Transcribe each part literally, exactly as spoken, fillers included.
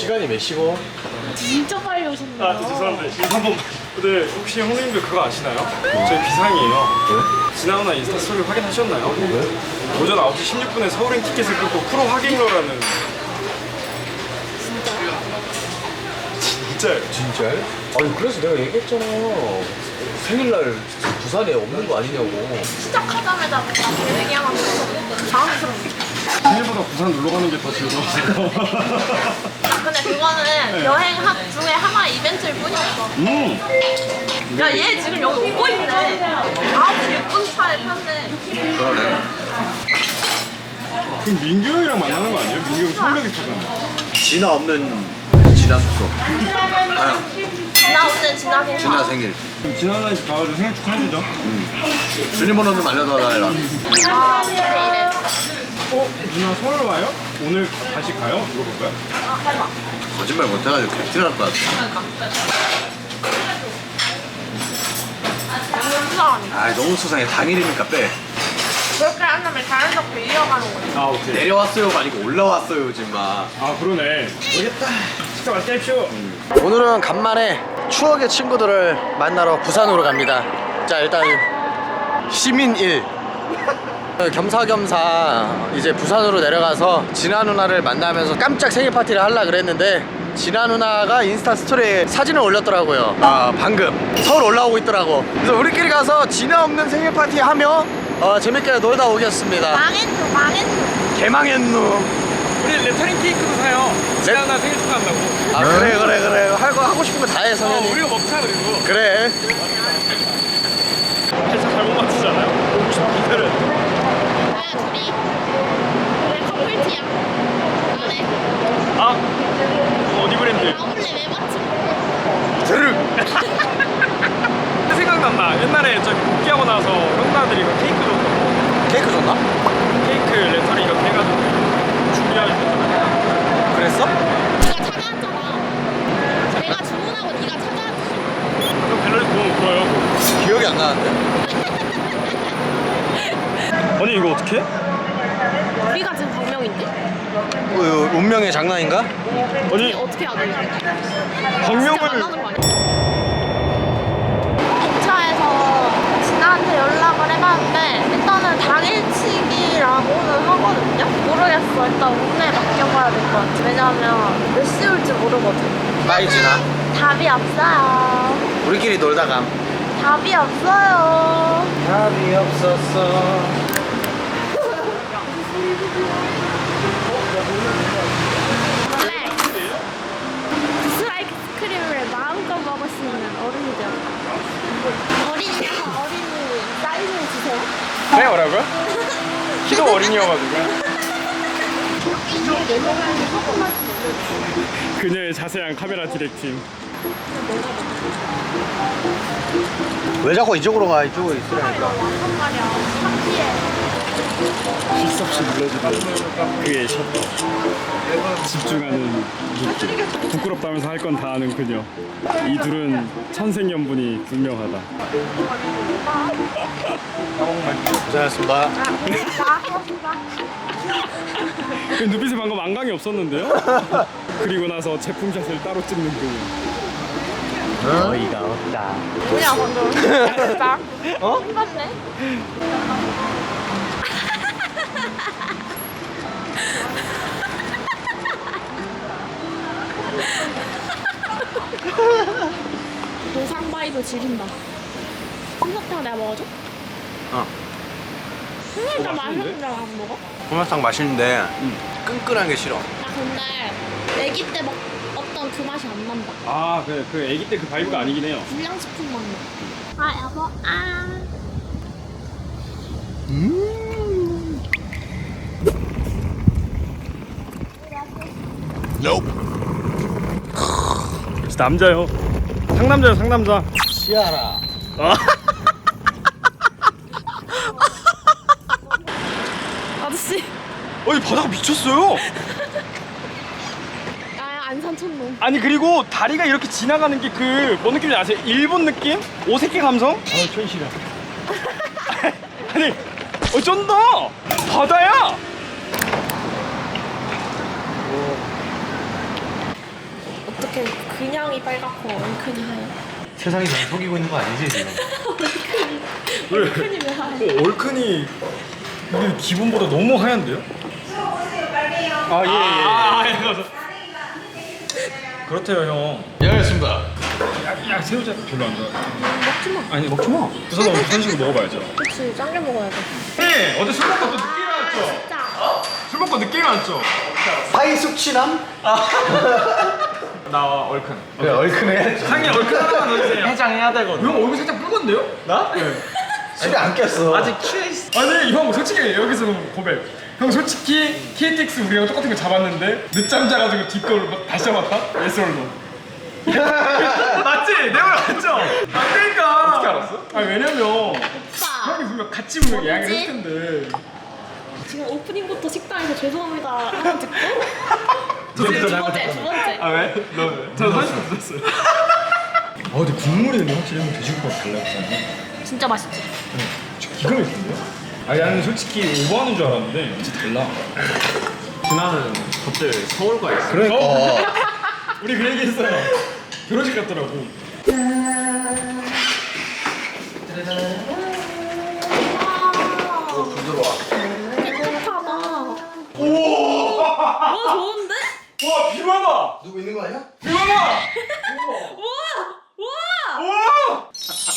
시간이 몇 시고? 진짜 빨리 오셨네요. 아, 죄송한데 지금 한번. 근데 혹시 형님들 그거 아시나요? 저희 비상이에요. 왜? 지나오나 인스타 스토리 확인하셨나요? 왜? 오전 아홉 시 십육 분에 서울행 티켓을 끊고 프로 확인러라는. 진짜요? 진짜요? 아니 그래서 내가 얘기했잖아. 생일날 부산에 없는 거 아니냐고. 시작하자마자 계획이 하나 들어서 당황스럽네. 생일보다 부산 놀러 가는 게 더 즐거웠어요. 아, 근데 그거는 여행 하, 중에 하나의 이벤트일 뿐이었어. 음. 야, 얘 지금 여기 오고 있네. 아우, 예쁜 차에 탔네. 그러네. 그럼 민규 형이랑 만나는 거 아니에요? 민규 형 서울역에 타잖아. 진화 없는 진화 숙소. 아, 나 오늘 지나 생각. 진화 생일. 그럼 지나가는 집 가가지고 생일 축하해주죠. 주민번호 좀 알려달라. 아, 이래. 어? 누나 서울 와요? 오늘 다시 가요? 물어볼까요? 아, 해봐. 거짓말 못해가지고 개티날 것 같아. 너무 수상하네. 아 너무 수상해. 당일이니까 빼. 그렇게 한다면 자연스럽게 이어가는 거지. 아 오케이. 내려왔어요가 아니고 올라왔어요 지금 막. 아 그러네. 모르겠다. 식사 맛있게 하십시오. 오늘은 간만에 추억의 친구들을 만나러 부산으로 갑니다. 자 일단 시민 일 겸사겸사 이제 부산으로 내려가서 진아 누나를 만나면서 깜짝 생일 파티를 하려고 그랬는데 진아 누나가 인스타 스토리에 사진을 올렸더라고요. 아 방금 서울 올라오고 있더라고. 그래서 우리끼리 가서 진아 없는 생일 파티 하며 어, 재밌게 놀다 오겠습니다. 망했노, 망했노. 개망했누. 우리 레터링 케이크도 사요. 진아 누나 생일 축하한다고. 아 그래 그래 그래 할 거 하고 싶은 거 다 해 어, 성현이. 우리가 먹자 그리고. 그래. 살짝 잘못 맞추잖아요. 오고 싶은 기대를. 뭐야, 둘이. 우리 커플티야. 안해. 아 어디 브랜드? 나올래, 왜 맞지? 드륵. 생각난다. 옛날에 저기 복귀하고 나서 형사들이 이거 케이크 줬거든. 케이크 줬나? 케이크 레터링 이렇게 해가지고 준비해주셨잖아요. 그랬어? 네가 찾아왔잖아. 내가 주문하고 네가 찾아왔지. 그럼 갤러리 보면 울어요. 기억이 안 나는데. 아니 이거 어떻게? 우리가 지금 방명인데? 그 운명의 장난인가? 아니 어떻게 알아? 진짜 방명을 만나는 거 아니야? 인차에서 진아한테 연락을 해봤는데 일단은 당일치기라고는 하거든요? 모르겠어. 일단 운에 맡겨봐야 될 것 같아. 왜냐면 몇 시 올지 모르거든. 빠이 진아. 답이 없어요. 우리끼리 놀다 감. 답이 없어요. 답이 없었어. 블랙. 스트라이크 스크림을 마음껏 먹을 수 있는 어른이죠. 어린이가 어린이 사인을 주세요. 네 뭐라고요? 키도 어린이여가지고 그녀의 자세한 카메라 디렉팅. 왜 자꾸 이쪽으로 가? 이쪽으로 있으라니까. 완전 말이야. 창피해. 실수없이 눌러주는 그의 셔터. 집중하는 느낌. 부끄럽다면서 할 건 다 아는 그녀. 이 둘은 천생연분이 분명하다. 고생하셨습니다. 그 눈빛에 방금 안강이 없었는데요? 그리고 나서 제품샷을 따로 찍는 그녀. 어이가 없다. 뭐야 방금. 진짜. 어? 힘받네. 노상바이도 지린다. 솜사탕 내가 먹어줘? 어. 솜사탕 어, 맛있는데? 맛있는데 안 먹어? 솜사탕 맛있는데 끈끈한 게 싫어. 나 근데 아기 때 먹었던 그 맛이 안 난다. 아, 그, 그 애기 때 그 바이브가 아니긴 해요. 불량식품 맛 나. 아 여보 아. 음. 진짜 남자요. 상남자요, 상남자. 시아라. 아. 아저씨. 어이 바다가 미쳤어요. 아 안산촌놈. 아니 그리고 다리가 이렇게 지나가는 게 그 뭐 느낌인지 아세요? 일본 느낌? 오색계 감성? 어 촌시라. 아니 어 쩐다. 바다야. 이렇게 그냥이 빨갛고 얼큰이 하얘. 세상이 날 속이고 있는 거 아니지 지금? 왜? 얼큰이 왜 하얘? 어, 얼큰이 근데 기본보다 너무 하얀데요? 아 예예. 아, 예. 그렇대요 형. 예 알겠습니다. 야, 야 새우젓 별로 안 좋아. 먹지 마. 아니 먹지 마. 부산 오면 부산식으로 먹어봐야죠. 그치, 짱게 먹어야 돼. 네 어제 술 먹고 또 늦게 일어났죠? 진짜. 술 먹고 늦게 일어났죠? 사이 숙취남? 나 얼큰. 그래 얼큰 해야지. 상이 얼큰 하나만 넣어주세요. 해장해야 되거든. 형 얼굴 살짝 붉은데요? 나? 네. 아직 안 꼈어. 아직 취해있어. 아니 형 솔직히 여기서 고백. 형 솔직히 케이티엑스 우리랑 똑같은 거 잡았는데 늦잠 자가지고 뒷거를 막 다시 잡았다? 예솔로. 맞지? 내 말 맞죠? 맞다니까. 어떻게 알았어? 아니 왜냐면 오빠. 형이 분명 같이 분명 이야기를 뭐지? 했을 텐데. 지금 오프닝부터 식당에서 죄송합니다 하나 듣고 저 이제 두 번째 두 번째. 아 왜? 너 왜? 저 사실 들었어요. 아 근데 국물이 근데 확실히 형 돼지국밥 달라붙잖아. 진짜 맛있지? 기가 막힌데요? 아니 나는 솔직히 오버하는 줄 알았는데 진짜 달라. 진아는 갑자기 서울 가 있어. 그러니까 우리 그 얘기 했어요. 결혼식 같더라고. 와, 부드러워. 깨끗하다. 오! 와, 좋은데? 와 비와봐. 누구 있는 거 아니야? 비와봐. 와! 와! 와!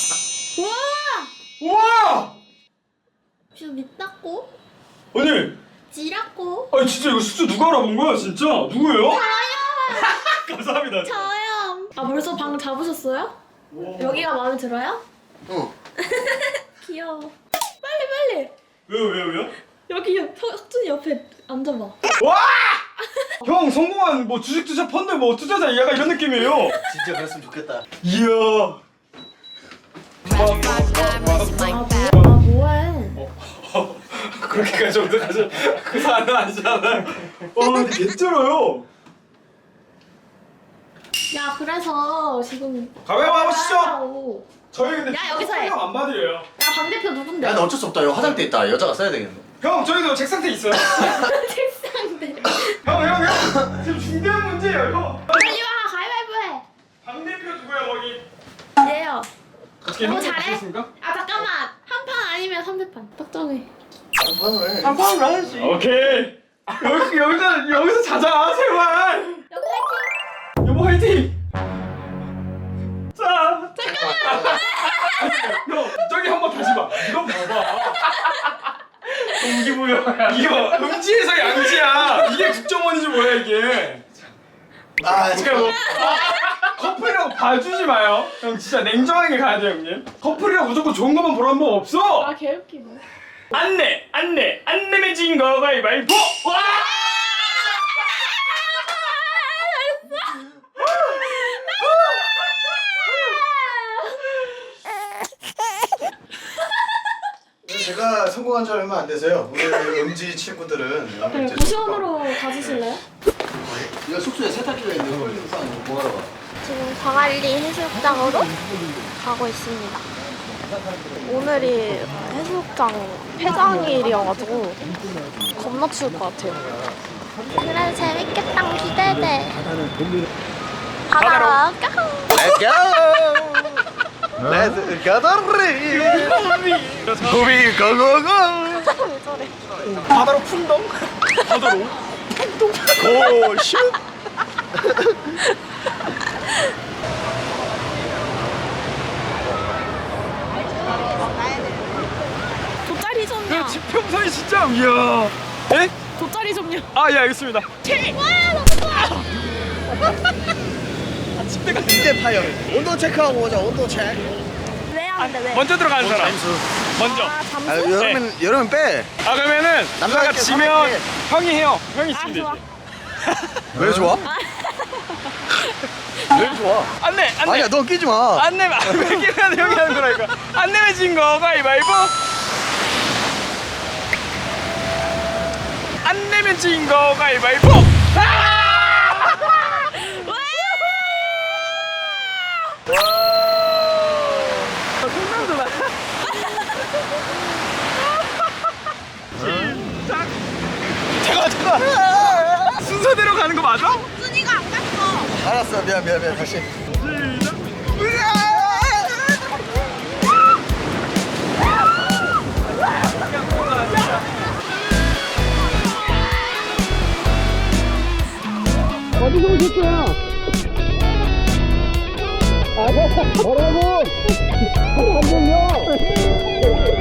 와! 와! 지금 밑 닦고 아니, 지랐고 아니 진짜 이거 숫자 누가 알아본 거야 진짜? 누구예요? 저요! 감사합니다. 저요! 아 벌써 방 잡으셨어요? 여기가 마음에 들어요? 응. 귀여워. 빨리 빨리! 왜요 왜요 왜요? 여기 옆- 석- 석준이 옆에 앉아봐. 와! 형 성공한 뭐 주식 투자 펀드 뭐 투자자 얘가 이런 느낌이에요. 진짜 그랬으면 좋겠다. 이야. 아, 뭐, 아 뭐해? 그렇게까지 어떡하죠? 그 사안은 아니잖아요. 와 근데 개쩔어요. 야 그래서 지금 가위바위보 하시죠. 하라고. 저희 근데 야, 여기서 해. 안 받으려요. 야 방대표 누군데? 야, 너 어쩔 수 없다. 여기 화장대 있다. 여자가 써야 되겠네. 형 저희도 책상대 있어요. 책상대. 형 형 형. 지금 중대한 문제예요 이거. 빨리 와 가위바위보 해. 방 대표 누구야 거기? 얘요. 어떻게 너무 형님 잘해? 보셨습니까? 아 잠깐만 한 판 아니면 삼 판 딱정해. 한판을 해. 한판으로 해야지. 오케이. 여기 여기서 여기서 자자 제발. 여기 화이팅! 여보 화이팅. 자. 잠깐만. 형 저기 한번 다시 봐. 이거 봐봐. 동기부여. 이거 음지에서 양지야. 이게 국정원이지 뭐야 이게. 아, 그러니까 뭐 아, 커플이라고 봐주지 마요. 형 진짜 냉정하게 가야 돼요 형님. 커플이라고 무조건 좋은 것만 보라는 법 없어. 아 개웃기네. 안내 안내 안 내면 진 거 가위바위보. 와! 제가 성공한 지 얼마 안 돼서요. 우리 음지 친구들은 네, 고시원으로 가주실래요? 이거 숙소에 세탁기가 있는데 홀링 싸는 거 뭐하러 가? 지금 광안리 해수욕장으로 가고 있습니다. 오늘이 해수욕장 폐장일이어가지고 겁나 추울 것 같아요. 그래 재밌겠다 기대돼. 바다로 가. Let's go! Let's go! 고비 고고고! 왜 저래? 바다로 풍덩. 바다로. 고 슛! 돗자리 좀요. 지평선이 진짜 이야. 에? 돗자리 좀요. 아 예 알겠습니다. 와 너무 좋아. 이제 파열. 온도 체크하고 오자. 온도 체크. 왜 안 돼? 왜? 먼저 들어가는 사람. 먼저. 아 아, 잠수? 여름엔 여름엔 빼. 아 그러면은 남자가 누나가 이렇게 지면 사람들이- 형이 해요. 형이 아 있으면 좋아. 되지. 왜 좋아? 왜 좋아? 안내 안내. 아니야, 너 끼지 마. 안 내면 안 내면 형이 하는 거라니까. 안 내면 진 거 가위바위보. 안 내면 진 거 가위바위보. 잠깐 잠깐. 순서대로 가는 거 맞아? 순이가 안 갔어. 아, 알았어 미안 미안 미안 다시. 어디서 오셨어요? 아, 뭐라고? 안 들려.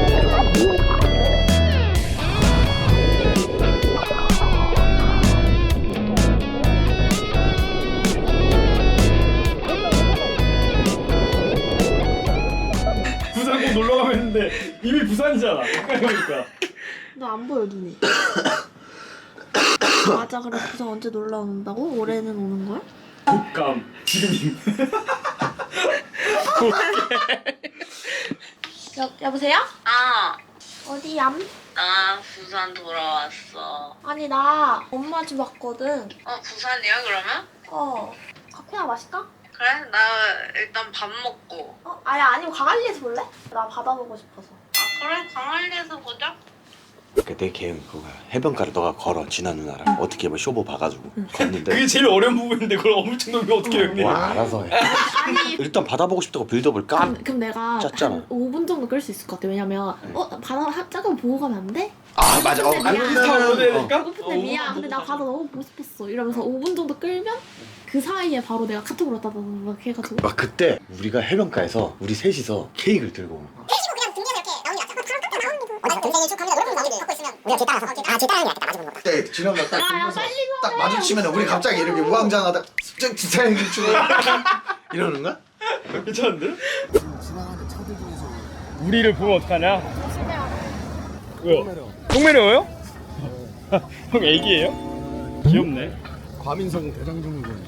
부산 꼭 놀러 가면 했는데 이미 부산이잖아. 그러니까. 너 안 보여 눈이. 맞아. 그래 부산 언제 놀러 온다고? 올해는 오는 거야? 독감 지금. 여, 여보세요? 아, 어디야? 나 부산 돌아왔어. 아니 나 엄마 집 왔거든. 어, 부산이야, 그러면? 어. 커피나 마실까? 그래? 나 일단 밥 먹고. 어? 아니 아니면 광안리에서 볼래? 나 바다 보고 싶어서. 아, 그래? 광안리에서 보자. 내 계획은 그거야. 해변가를 너가 걸어 진아 누나랑 어떻게 뭐 쇼부 봐가지고 걷는데. 그게 제일 어려운 부분인데 그걸 엄청 넘기면 어떻게 형님? 와 알아서 해. 아니 일단 바다 보고 싶다고 빌드업을 까. 그럼, 그럼 내가 짰잖아. 한 오 분 정도 끌 수 있을 것 같아. 왜냐면 어? 바다 한 잠깐 보고 가면 안 돼? 아 맞아. 어, 근데 안 미안. 비슷하고 그러면은, 어. 되니까? 배고픈데 미안. 근데 나 바다 너무 보고 싶었어. 이러면서 오 분 정도 끌면 그 사이에 바로 내가 카톡으로 따다다닥 해가지고 아 그때 우리가 해변가에서 우리 셋이서 케이크를 들고 오는 거야. 그때 진아 누나 딱 야, 야, 보면서 빨리 딱 말해. 마주치면 우리 갑자기 이렇게 우왕좌왕하다 쓱 진짜 추고 이러는 거야? 괜찮은데? 우리를 보면 어떡하냐? 왜요? 똥매려워요? 형 애기예요? 귀엽네. 과민성 대장증후군.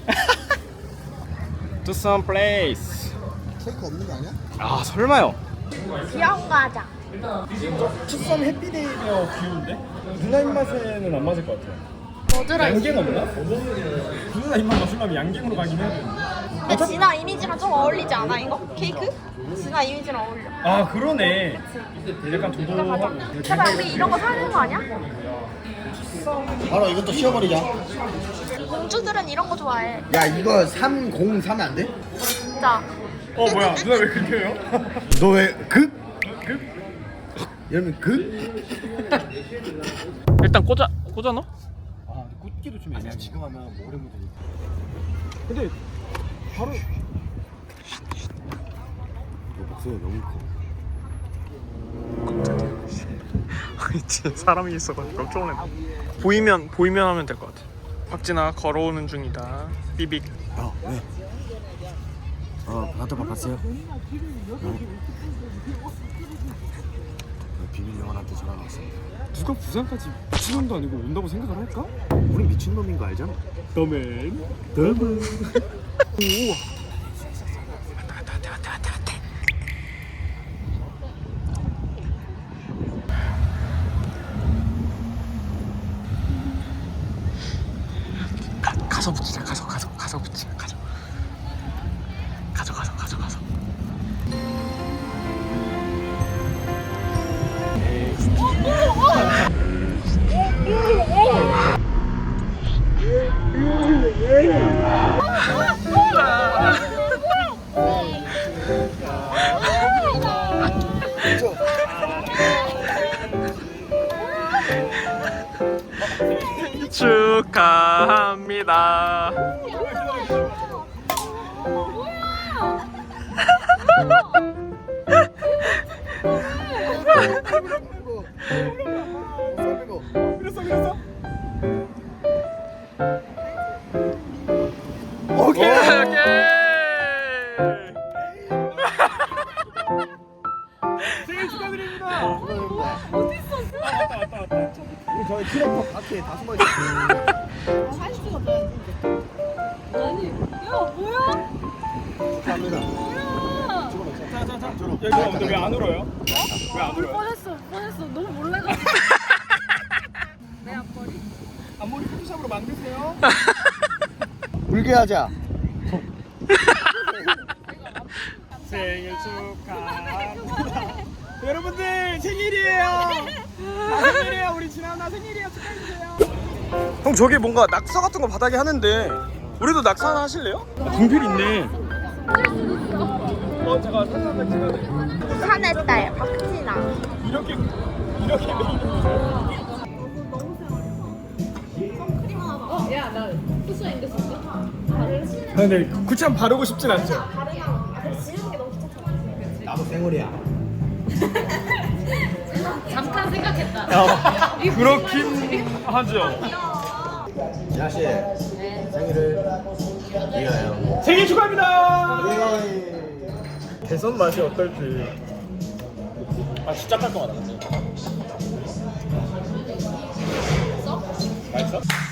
To some place. 케이크 없는 거 아니야? 아 설마요? 귀여운 거 하자. 투썸 해피데이가 귀여운데? 누나 입맛에는 안 맞을 것 같아요. 뭐 들어있어? 양갱 없나? 누나 입맛 맞추려면 양갱으로 가긴 해야 되는데. 근데 진아 이미지랑 좀 어울리지 않아 이거? 케이크? 진아 이미지랑 어울려. 아 그러네. 약간 이거 가자. 도도하고. 제발 우리 이런 거 사야 되는 거 아니야? 바로 이것도 씌워버리자. 공주들은 이런 거 좋아해. 야 이거 삼공삼 안 돼? 진짜. 어 뭐야 누나 왜 그렇게 해요? 너 왜 극? 그? 이러면 극? 일단 꽂아 꽂아 넣어? 아 꽂기도 좀 애매해. 지금 하면 뭐 오래 묻으니까. 근데 바로 너 목소리 너무 커. 진짜 사람이 있어가지고 깜짝 놀랐네. 보이면 보이면 하면 될 것 같아. 박진아 걸어오는 중이다. 삐빅. 어 왜? 어 바다 봤어요? 비밀 요원한테 전화 왔어. 누가 부산까지 미친놈도 아니고 온다고 생각을 할까? 우리 미친 놈인 거 알잖아. 너맨. 너무. 가, 가서 붙이자. 가서 가서 가서 붙이자. 가서. 가서 가서 가서 가서. 축하합니다. 그랬어 그랬어? 오케이 오케이. 생일 축하드립니다. 어디 있었어? 왔다 왔다 왔다. 저희 트랙터 밖에 다 숨어 있어요. 감사합니다. 자자자. 여기 근데 왜 안 울어요? 왜 안 울어요? 뻔했어 뻔했어 너무 몰래가지고. 내 앞머리. 앞머리 포토샵으로 만드세요. 울게 하자. 생일 축하합니다. 여러분들 생일이에요. 나 생일이에요. 우리 진아 나 생일이에요. 축하해주세요. 형 저기 뭔가 낙서 같은 거 바닥에 하는데 우리도 낙산 하실래요? 아, 동필 있네. 어, 잠깐 사진 한 장 찍어야 돼. 산의 딸 박진아. 이렇게 이렇게 아, 근데 구참 바르고 싶진 않죠? 나도 생얼이야. 잠깐 생각했다. 아, 그렇긴 하죠. 지아 씨 생일을 위하여. 생일 축하합니다. 개선 맛이 어떨지. 아 진짜 깔끔하다. 근데. 맛있어?